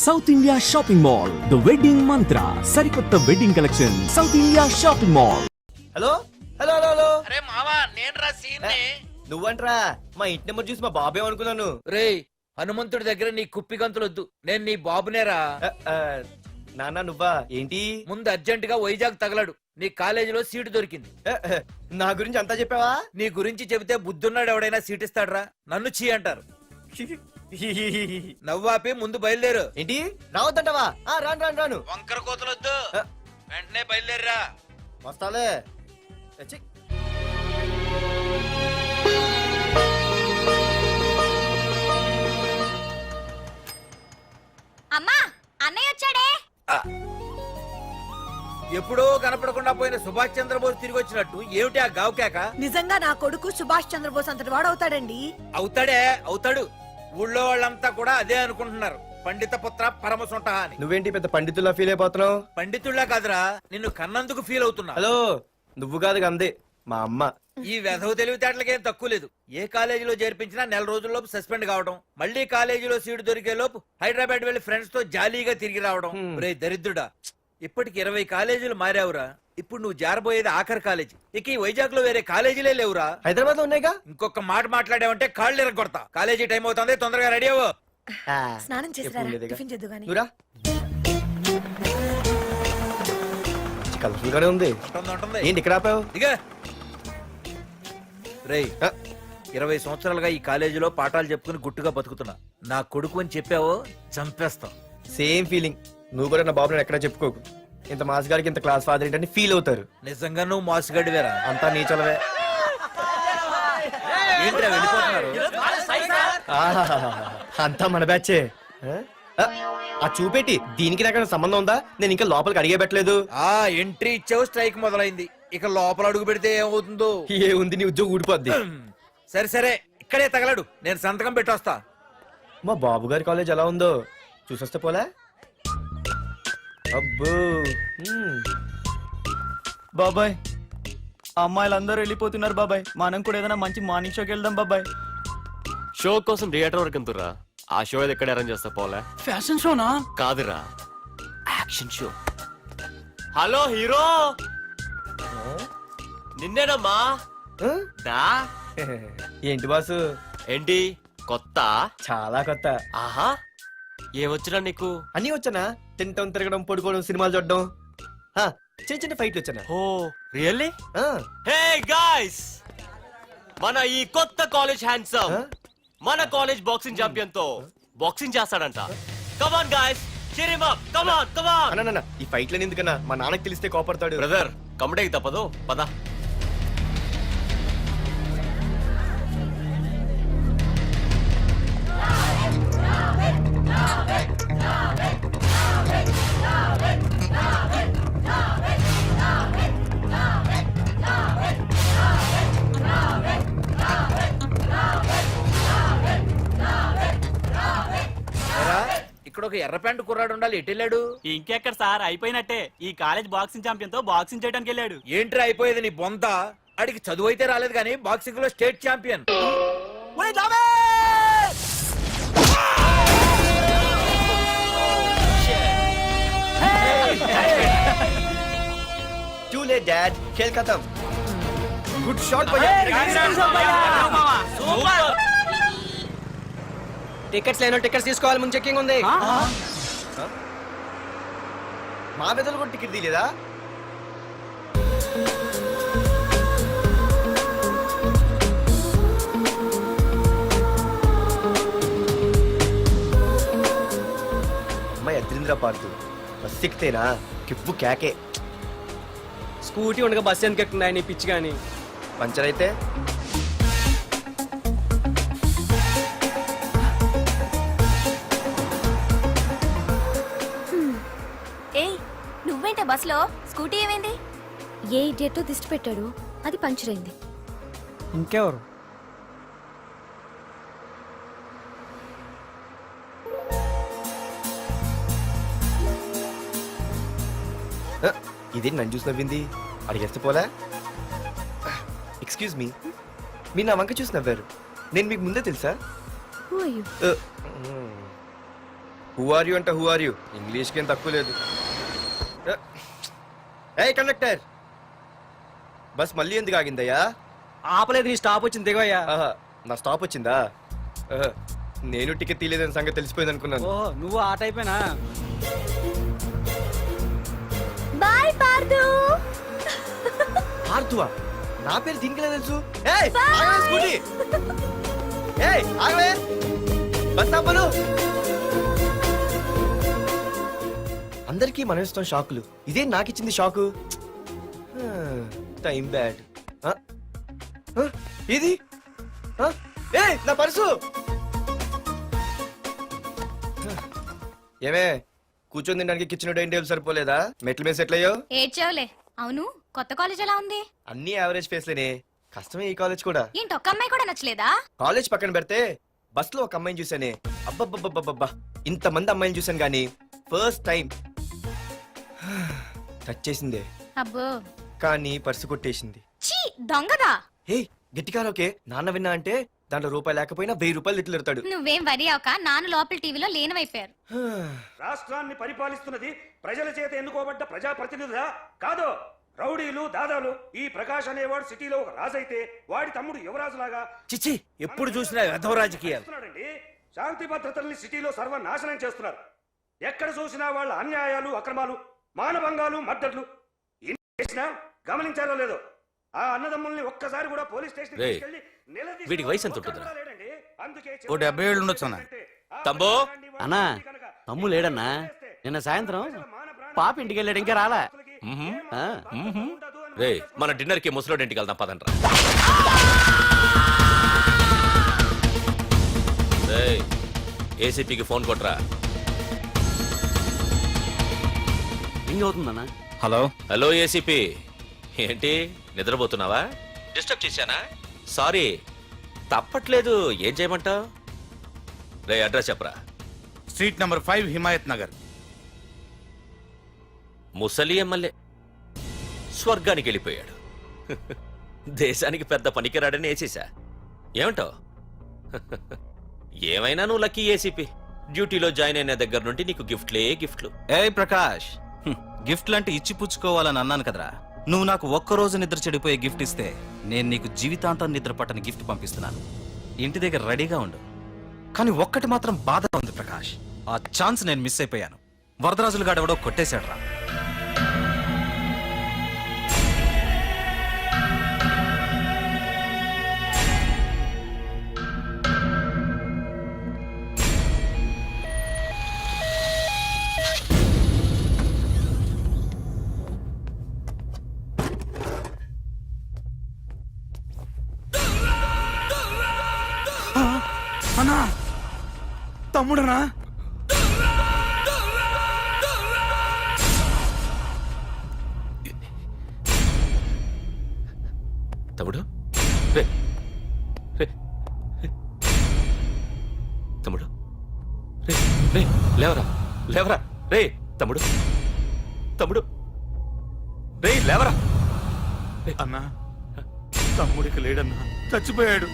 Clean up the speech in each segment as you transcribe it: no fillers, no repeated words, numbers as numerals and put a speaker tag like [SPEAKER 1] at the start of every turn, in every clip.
[SPEAKER 1] South India shopping mall the wedding Mantra సరికొత్త wedding collection south India shopping mall.
[SPEAKER 2] Hello hello hello hello.
[SPEAKER 3] అరే మావా నేను రా scene
[SPEAKER 2] నువ్వంట్రా మా ఇంటి నెంబర్ చూసి మా బాబే అనుకున్నాను.
[SPEAKER 3] రే హనుమంతుడి దగ్గర నీ కుప్పి గంతులొద్దు, నేను నీ బాబునేరా.
[SPEAKER 2] నాన్న నువ్వా ఏంటి?
[SPEAKER 3] ముందు అర్జెంట్ గా వైజాగ్ తగలడు, నీ కాలేజీలో సీటు దొరికింది.
[SPEAKER 2] నా గురించి అంతా చెప్పావా?
[SPEAKER 3] నీ గురించి చెబితే బుద్ధున్నాడు ఎవడైనా సీట్ ఇస్తాడ్రా, నన్ను చీ అంటారు. నవ్వాపి ముందు బయలుదేరు.
[SPEAKER 2] ఏంటి రావద్దంటావా? రాను రాను రాను.
[SPEAKER 3] వంకర కోతలొద్దు, వెంటనే బయలుదేరరా.
[SPEAKER 2] వస్తాలే.
[SPEAKER 4] అమ్మా అన్నయ్య వచ్చాడే.
[SPEAKER 3] ఎప్పుడో కనపడకుండా పోయిన సుభాష్ చంద్రబోస్ తిరిగి వచ్చినట్టు ఏమిటి ఆ గావుకేక?
[SPEAKER 5] నిజంగా నా కొడుకు సుభాష్ చంద్రబోస్ అంతటి వాడు అవుతాడండి.
[SPEAKER 3] అవుతాడే అవుతాడు, ఊళ్ళో వాళ్ళంతా కూడా అదే అనుకుంటున్నారు, పండిత పుత్ర పరమసుంట అని.
[SPEAKER 2] నువ్వేంటి పెద్ద పండితుల్లా ఫీల్ అయిపోతున్నావు?
[SPEAKER 3] పండితుళ్ళ కాదురా, నిన్ను కన్నందుకు ఫీల్ అవుతున్నా.
[SPEAKER 2] హలో నువ్వు కాదు అందే మా అమ్మ.
[SPEAKER 3] ఈ వెధవ తెలివితేటలకేం తక్కువ లేదు. ఏ కాలేజీలో చేర్పించినా నెల రోజుల్లోపు సస్పెండ్ కావడం, మళ్ళీ కాలేజీలో సీటు దొరికే లోపు హైదరాబాద్ వెళ్లి ఫ్రెండ్స్ తో జాలీగా తిరిగి రావడం. రే దరిద్రుడా, ఇప్పటికి 20 కాలేజీలు మారావురా. ఇప్పుడు నువ్వు జారబోయేది ఆఖరి కాలేజీ. ఇక ఈ వైజాగ్ లో వేరే కాలేజీలే లేవురా.
[SPEAKER 2] హైదరాబాద్ లో ఉన్నాయిగా.
[SPEAKER 3] ఇంకొక మాట మాట్లాడావంటే కాళ్ళు ఎరగొడతా. కాలేజీ టైం అవుతుంది, తొందరగా రెడీ అవ్వు.
[SPEAKER 5] స్నానం చేసి టిఫిన్ చేద్దు గాని.
[SPEAKER 2] నువ్వురా. కలర్ఫుల్ గానే ఉంది. ఏంటి ఇక్కడ ఆపావు?
[SPEAKER 3] ఇక రేయ్ 20 సంవత్సరాలుగా ఈ కాలేజీలో పాఠాలు చెప్పుకుని గుట్టుగా బతుకుతున్నా. నా కొడుకు అని చెప్పావో చంపేస్తాం.
[SPEAKER 2] Same feeling. నువ్వు కూడా నా బాబు ఎక్కడ చెప్పుకోకు. ఇంత మాస్ గారికి ఇంత క్లాస్ ఫాదర్ ఏంటని ఫీల్ అవుతారు.
[SPEAKER 3] నిజంగా నువ్వు మాసుగడివేరా.
[SPEAKER 2] అంతా నీ చలవే.
[SPEAKER 3] ఏంట్రా వెళ్ళిపోతున్నారు?
[SPEAKER 2] అంతా మన బ్యాచే. ఆ చూపెట్టి దీనికి నాకు సంబంధం ఉందా? నేను ఇంకా లోపలికి అడిగే పెట్టలేదు.
[SPEAKER 3] ఆ ఎంట్రీ ఇచ్చావు, స్ట్రైక్ మొదలైంది. ఇక లోపల అడుగు పెడితే ఏమవుతుందో.
[SPEAKER 2] ఏ ఉంది, నీ ఉద్యోగం ఊడిపోద్ది.
[SPEAKER 3] సరే సరే ఇక్కడే తగలడు, నేను సంతకం పెట్టొస్తా.
[SPEAKER 2] మా బాబు గారి కాలేజ్ ఎలా ఉందో చూసొస్తే పోలే. అబ్బో
[SPEAKER 6] బాబాయ్ అమ్మాయిలందరూ వెళ్ళిపోతున్నారు బాబాయ్, మనం కూడా ఏదైనా మంచి మార్నింగ్ షోకి వెళ్దాం బాబాయ్.
[SPEAKER 7] షో కోసం థియేటర్ వరకు ఎంతురా? ఆ షో ఏది ఎక్కడ అరేంజ్ చేస్తా పోలే?
[SPEAKER 6] ఫ్యాషన్ షోనా?
[SPEAKER 7] కాదురా, యాక్షన్ షో. హలో హీరో, నిన్నేనమ్మా. దా.
[SPEAKER 2] ఏంటి బాసు?
[SPEAKER 7] ఏంటి కొత్త?
[SPEAKER 2] చాలా కొత్త.
[SPEAKER 7] ఆహా, ఏమొచ్చినా నీకు?
[SPEAKER 2] అన్నీ వచ్చానా? తింటం, తిరగడం, పడుకోవడం, సినిమాలు చూడడం, చిన్న చిన్న ఫైట్లు వచ్చానా?
[SPEAKER 7] ఓ రియల్లీ? హే గాయ్స్, మన ఈ కొత్త కాలేజ్ హ్యాండ్సమ్ మన కాలేజ్ బాక్సింగ్ ఛాంపియన్ తో బాక్సింగ్ చేస్తాడంట. Come on guys, cheer him up. Come on, come on.
[SPEAKER 2] అన్న ఈ ఫైట్లని ఎందుకన్నా? మా నాన్నకి తెలిస్తే కోపడతాడు.
[SPEAKER 7] బ్రదర్ కమడేకి తప్పదు, పద.
[SPEAKER 3] ఇక్కడ ఒక ఎర్ర ప్యాంటు కుర్రాడు ఉండాలి, ఎటు వెళ్ళాడు?
[SPEAKER 6] ఇంకెక్కడ సార్, అయిపోయినట్టే. ఈ కాలేజ్ బాక్సింగ్ ఛాంపియన్ తో బాక్సింగ్ చేయడానికి వెళ్ళాడు.
[SPEAKER 3] ఏంట్రా అయిపోయేది నీ బొంత? అడిగి చదువు అయితే రాలేదు కానీ బాక్సింగ్ లో state champion.
[SPEAKER 2] Too late, Dad. खेल खत्म. Good shot, भैया. టికెట్స్ లేనో టికెట్స్ తీసుకోవాలి, ముందు చెక్కింగ్ ఉంది. మా పెద్దలు కూడా టికెట్ తీయలేదా? అమ్మాయి అద్రింద్ర పార్తు బస్ ఎక్కితేనా కిప్పు కేకే.
[SPEAKER 6] స్కూటీ ఉండగా బస్సు ఎందుకు ఎక్కుతున్నాయి నీ పిచ్చి గాని?
[SPEAKER 2] పంచర్ అయితే
[SPEAKER 4] నువ్వేంటే బస్సులో? స్కూటీ ఏమైంది?
[SPEAKER 8] ఏ ఇడియట్ దిష్టి పెట్టాడు, అది పంచర్ అయింది.
[SPEAKER 6] ఇంకెవరు?
[SPEAKER 2] ఇదేంటి నన్ను చూసి నవ్వింది? అడిగేస్తే పోలే. ఎక్స్క్యూజ్ మీ, మీరు నా వంక చూసి నవ్వారు. నేను మీకు ముందే తెలుసా?
[SPEAKER 8] Who are you?
[SPEAKER 2] Who are you అంటే హూ ఆర్ యూ ఇంగ్లీష్కి ఏం తక్కువ లేదు. ఏ కండక్టర్, బస్ మళ్ళీ ఎందుకు ఆగిందయ్యా?
[SPEAKER 6] ఆపలేదు, నీ స్టాప్ వచ్చింది దిగవయ్యా.
[SPEAKER 2] ఆహా, నా స్టాప్ వచ్చిందా? ఆహా, నేను టికెట్ తీయలేదని సంగతి తెలిసిపోయింది అనుకున్నాను.
[SPEAKER 6] ఓహో, నువ్వు ఆ టైపేనా?
[SPEAKER 8] బాయ్ పార్దు.
[SPEAKER 2] ఆర్తువా? నా పేరు దీనికిలా తెలుసు? ఏయ్, ఆగవే స్కూటీ. ఏయ్, ఆగవే. బస్ ఆపను. అందరికీ మనం ఇస్తాం షాకులు, ఇదే నాకు ఇచ్చింది షాకు. Time bad. ఇది ఏయ్, నా పర్సు. ఏమే, కూర్చొని తినడానికి కిచెన్ డైనింగ్ టేబుల్ సరిపోలేదా? మెట్ల మీద సెట్ అయ్యో.
[SPEAKER 4] ఏడ్చావులే. అవును, కొత్త కాలేజ్ ఎలా ఉంది?
[SPEAKER 2] అన్ని యావరేజ్ ఫేస్లేనే. కష్టమే ఈ కాలేజ్ కూడా.
[SPEAKER 4] ఏంటి, ఒక్క అమ్మాయి కూడా నచ్చలేదా?
[SPEAKER 2] కాలేజ్ పక్కన పెడితే బస్ లో ఒక అమ్మాయిని చూసానే, అబ్బబ్బబ్బబ్బబ్బా, ఇంతమంది అమ్మాయిని చూసాను గానీ ఫస్ట్ టైం టచ్ చేసిందే,
[SPEAKER 4] అబ్బో,
[SPEAKER 2] కానీ పర్సు కొట్టేసింది.
[SPEAKER 4] చీ దొంగదా.
[SPEAKER 2] హే, గట్టిగా ఓకే, నాన్న విన్నా అంటే దాంట్లో రూపాయి లేకపోయినా 1000 రూపాయలు తిట్లు.
[SPEAKER 4] నువ్వేం వరి అవక, నాన్న లోపల టీవీలో లేనవైపోయారు.
[SPEAKER 9] రాష్ట్రాన్ని పరిపాలిస్తున్నది ప్రజల చేత ఎన్నుకోబడ్డ ప్రజాప్రతినిధులా కాదు, రౌడీలు దాదాలు. ఈ ప్రకాష్ అనేవాడు సిటీలో ఒక రాజైతే వాడి తమ్ముడు యువరాజులాగా
[SPEAKER 3] చిచ్చి, ఎప్పుడు చూసినా వెధవ రాజకీయాలు.
[SPEAKER 9] చేస్తున్నాడండి. శాంతి భద్రతల్ని సిటీలో సర్వనాశనం చేస్తున్నారు. ఎక్కడ చూసినా వాళ్ళ అన్యాయాలు, అక్రమాలు, మానభంగాలు, మద్దతులు. ఇన్ని చేసినా గమనించారో లేదో, ఆ అన్నదమ్ముల్ని ఒక్కసారి కూడా పోలీస్ స్టేషన్
[SPEAKER 7] రేయ్,
[SPEAKER 9] తీసుకెళ్లి నిలదీసిన
[SPEAKER 7] వీడికి వయసు ఎంత
[SPEAKER 9] ఒక్కడు
[SPEAKER 7] ఉంటుందిరా?
[SPEAKER 9] కూడా లేడండి. అందుకే
[SPEAKER 10] ఓ 70 ఏళ్ళు ఉండొచ్చు అన్న.
[SPEAKER 7] తమ్ముడు?
[SPEAKER 6] అన్నా, తమ్ము లేడన్నా. నిన్న సాయంత్రం పాప ఇంటికి వెళ్ళాడు, ఇంకా రాలా. ఆ.
[SPEAKER 7] రే, మన డిన్నర్ కి ముసలోడి ఇంటికి వెళ్దాం పదండ్రా. రేయ్, ఏసీపీకి ఫోన్ కొట్రా.
[SPEAKER 6] రింగ్ అవుతుందన్నా.
[SPEAKER 10] హలో,
[SPEAKER 7] హలో ఏసీపీ, ఏంటి నిద్రపోతున్నావా? డిస్టర్బ్ చేశానా? సారీ, తప్పట్లేదు. ఏం చేయమంటావు? రే, అడ్రస్ చెప్పరా.
[SPEAKER 10] Street number 5 Himayat Nagar.
[SPEAKER 7] ముసలి ఎమ్మెల్యే స్వర్గానికి వెళ్ళిపోయాడు. దేశానికి పెద్ద పనికిరాడని వేసేసా. ఏమంటావు? ఏమైనా నువ్వు లక్కీ ఏసీపీ. డ్యూటీలో జాయిన్ అయిన దగ్గర నుండి నీకు గిఫ్ట్లు.
[SPEAKER 10] ఏ ప్రకాష్, గిఫ్ట్ లాంటి ఇచ్చి పుచ్చుకోవాలని అన్నాను కదరా. నువ్వు నాకు ఒక్కరోజు నిద్ర చెడిపోయే గిఫ్ట్ ఇస్తే నేను నీకు జీవితాంతం నిద్ర పట్టని గిఫ్ట్ పంపిస్తున్నాను. ఇంటి దగ్గర రెడీగా ఉండు. కానీ ఒక్కటి మాత్రం బాధగా ఉంది ప్రకాష్, ఆ ఛాన్స్ నేను మిస్ అయిపోయాను. వరదరాజులు గాడెవడో కొట్టేశాడు రా. అన్నా, తమ్ముడనా?
[SPEAKER 7] తమ్ముడు? రే, రే, రే. తమ్ముడు? రే, రే, లేవరా. రే తమ్ముడు, రే లేవరా.
[SPEAKER 10] అన్నా, తమ్ముడికి లేడన్నా, చచ్చిపోయాడు.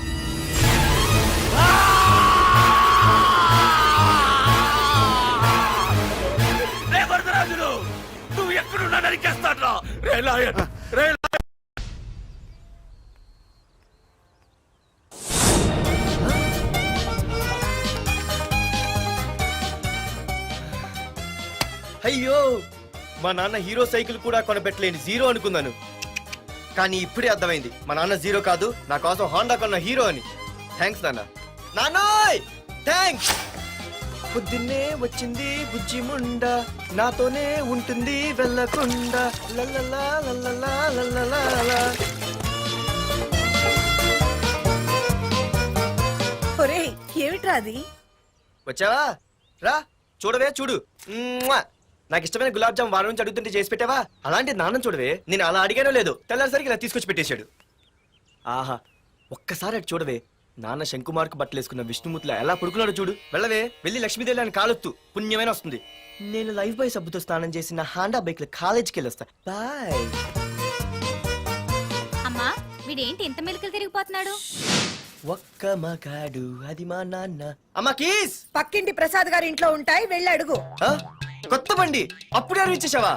[SPEAKER 7] రే వరదరాజులు, నువ్వు ఎక్కడున్నా నరికేస్తాడ్రా. రే లాయర్, రే.
[SPEAKER 2] అయ్యో, మా నాన్న హీరో సైకిల్ కూడా కొనపెట్టలేని జీరో అనుకున్నాను. కానీ ఇప్పుడే అర్థమైంది, మా నాన్న జీరో కాదు, నా కోసం హాండా కొన్న హీరో అని. థ్యాంక్స్ నాన్న. నాన్నోయ్ థ్యాంక్స్. పొద్దున్నే వచ్చింది బుజ్జి ముండ, నాతోనే ఉంటుంది వెళ్ళకుండా. లల్లలా లల్లలా లల్లలా.
[SPEAKER 5] ఒరేయ్, ఏమిట్రా అది?
[SPEAKER 2] వచ్చావా? రా చూడవే, చూడు. మ్వా! నాకు ఇష్టమైన గులాబ్ జామ్ వారం నుంచి అడుగుతుంటే చేసి పెట్టావా? అలాంటి నాన్న చూడవే, నేను అలా అడిగానో లేదో తెల్లారిసరికి ఇలా తీసుకొచ్చి పెట్టేశాడు. ఆహా, ఒక్కసారి అటు చూడవే, నాన్న శంకుమార్కు బట్టలు వేసుకున్న విష్ణుమూర్తిలా ఎలా పడుకున్నాడు చూడు. వెళ్ళవే, వెళ్ళి లక్ష్మీదేవి అని కాలొత్తు, పుణ్యమైన వస్తుంది. నేను లైఫ్ బాయ్ సబ్బుతో స్నానం చేసి నా హాండా బైక్ లో కాలేజీకి వెళ్ళొస్తా. బాయ్.
[SPEAKER 4] అమ్మా, వీడేంటి ఇంత మెలికలు తిరిగిపోతున్నాడు?
[SPEAKER 2] ఒక్క మగాడు అది మా నాన్న. అమ్మా కీస్.
[SPEAKER 5] పక్కింటి ప్రసాద్ గారి ఇంట్లో ఉంటాయి, వెళ్ళి అడుగు.
[SPEAKER 2] ఆ? కొత్త బండి అప్పుడే ఇచ్చేసావా?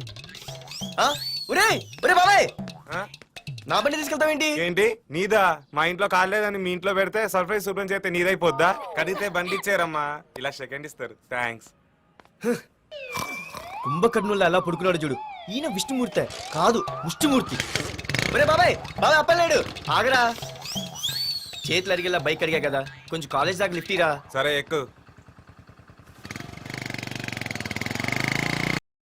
[SPEAKER 2] ఒరే ఒరే బాబాయ్, నా బండి తీసుకెళ్తావేంటి?
[SPEAKER 11] ఏంటి నీదా? మా ఇంట్లో కాలేదని మీ ఇంట్లో పెడితే సర్ప్రైజ్ శుభ్రం చేస్తే నీదైపోద్దా? కడిగితే బండి ఇచ్చారమ్మా, ఇలా సెకండ్ ఇస్తారు. థ్యాంక్స్.
[SPEAKER 2] కుంభకర్ణుల్లో ఎలా పడుకున్నాడు చూడు. ఈయన విష్ణుమూర్తి కాదు, ముష్టిమూర్తి. ఒరే బాబాయ్, బాబాయ్ అప్పలేడు, ఆగరా. చేతులు అడిగేలా బైక్ అడిగా కదా, కొంచెం కాలేజ్ దాకా లిఫ్ట్ ఇరా.
[SPEAKER 11] సరే ఎక్కు.